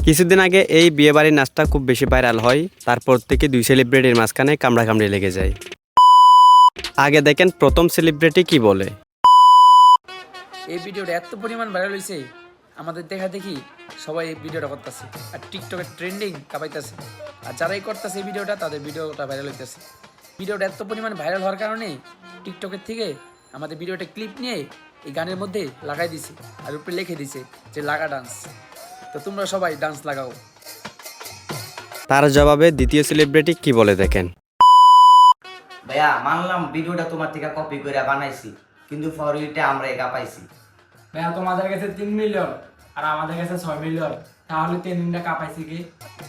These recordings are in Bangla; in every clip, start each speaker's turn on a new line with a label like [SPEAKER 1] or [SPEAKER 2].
[SPEAKER 1] কিছুদিন আগে এই বিয়েবাড়ির নাচটা খুব বেশি ভাইরাল হয়, তারপর থেকে দুই সেলিব্রিটির মাঝখানে কামড়াকামড়ি লেগে যায়। আগে দেখেন প্রথম সেলিব্রিটি কি বলে।
[SPEAKER 2] এই ভিডিওটা এত পরিমাণ ভাইরাল হয়েছে, আমাদের দেখা দেখি সবাই এই ভিডিওটা করতেছে আর টিকটকের ট্রেন্ডিং কাঁপাইতেছে। আর যারাই করতেছে এই ভিডিওটা তাদের ভিডিওটা ভাইরাল হইতেছে। ভিডিওটা এত পরিমাণ ভাইরাল হওয়ার কারণে টিকটকের থেকে আমাদের ভিডিওটা ক্লিপ নিয়ে এই গানের মধ্যে লাগাই দিছে আর উপরে লিখে দিছে যে লাগা ডান্স। তো তোমরা সবাই ডান্স লাগাও।
[SPEAKER 1] তার জবাবে দ্বিতীয় সেলিব্রিটি কি বলে দেখেন।
[SPEAKER 3] ভাইয়া মানলাম ভিডিওটা তোমার থেকে কপি করে বানাইছি, কিন্তু ফরিটা আমরা একা পাইছি।
[SPEAKER 4] ভাইয়া তোমাদের কাছে 3 মিলিয়ন আর আমাদের কাছে 6 মিলিয়ন, তাহলে 3 কাপাইছি কি?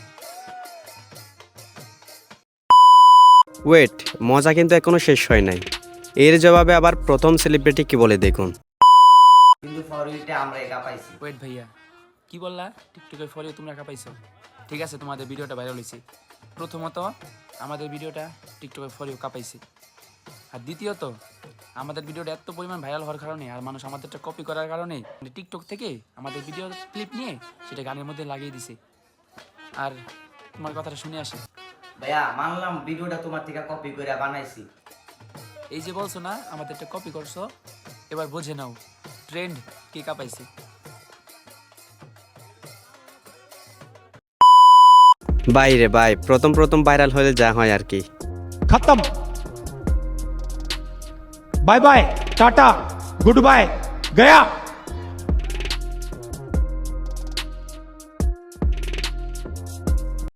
[SPEAKER 1] ওয়েট, মজা কিন্তু এখনো শেষ হয় নাই। এর জবাবে আবার প্রথম সেলিব্রিটি কি বলে দেখুন।
[SPEAKER 3] কিন্তু ফরিটা আমরা একা পাইছি।
[SPEAKER 2] ওয়েট ভাইয়া, কি বললা? টিকটকের ফলে তোমরা কাঁপাইছো? ঠিক আছে, তোমাদের ভিডিওটা ভাইরাল হয়েছে। প্রথমত আমাদের ভিডিওটা টিকটকের ফলেও কাঁপাইছে, আর দ্বিতীয়ত আমাদের ভিডিওটা এত পরিমাণ ভাইরাল হওয়ার কারণে আর মানুষ আমাদেরটা কপি করার কারণে টিকটক থেকে আমাদের ভিডিও ক্লিপ নিয়ে সেটা গানের মধ্যে লাগিয়ে দিছে। আর তোমার কথাটা শুনে আসে
[SPEAKER 3] ভাইয়া মানলাম ভিডিওটা তোমার থেকে কপি করে বানাইছি।
[SPEAKER 2] এই যে বলছো না আমাদেরটা কপি করছো, এবার বুঝে নাও ট্রেন্ড কে কাঁপাইছে।
[SPEAKER 1] বাইরে ভাই, প্রথম ভাইরাল হলে যা হয় আর কি।
[SPEAKER 5] खत्म। Bye bye, tata, goodbye, गया।